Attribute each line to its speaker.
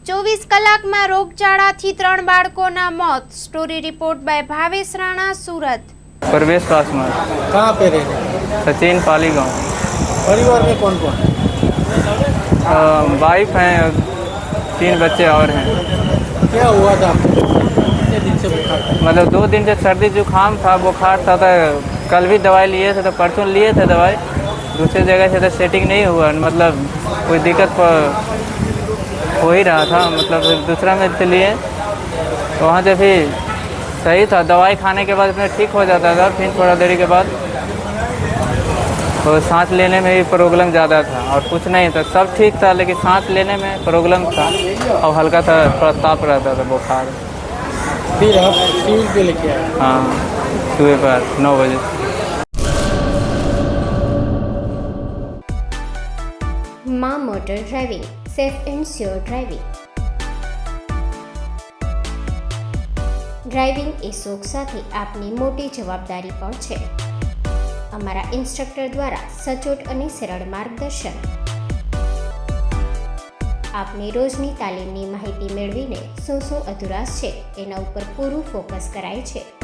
Speaker 1: 24 કલાકમાં રોગચાળાથી 3 બાળકોના મોત। Story report by Bhavesh Rana, Surat.
Speaker 2: Pravesh Paswan.
Speaker 3: कहाँ पे रह रहे हैं?
Speaker 2: सचिन पाली गाँव।
Speaker 3: परिवार में कौन कौन?
Speaker 2: वाइफ हैं, 3 बच्चे और हैं।
Speaker 3: क्या हुआ था आपको? कितने दिन से बुखार था?
Speaker 2: मतलब 2 दिन से सर्दी जुकाम था, बुखार था। कल भी दवाई लिए थे, तो परसों लिए थे दवाई। दूसरी जगह से तो सेटिंग नहीं हुआ, मतलब कोई दिक्कत हो ही रहा था। मतलब दूसरा में से लिए तो वहाँ से फिर सही था, दवाई खाने के बाद में ठीक हो जाता था। फिर थोड़ा देरी के बाद तो सांस लेने में भी प्रॉब्लम ज़्यादा था, और कुछ नहीं था, सब ठीक था, लेकिन सांस लेने में प्रॉब्लम था और हल्का सा थोड़ा ताप रहता था, बुखार।
Speaker 3: फिर आप सिविल पे लेके आए?
Speaker 2: हाँ, सुबह पर 9 बजे।
Speaker 4: माँ motor driving, safe and sure driving. Driving એ શોખ સાથે આપની મોટી જવાબદારી પણ છે। અમારા ઇન્સ્ટ્રક્ટર દ્વારા સચોટ અને સરળ માર્ગદર્શન। આપની રોજની તાલીમની માહિતી મેળવીને શું અધુરાશ છે એના ઉપર પૂરું ફોકસ કરાય છે।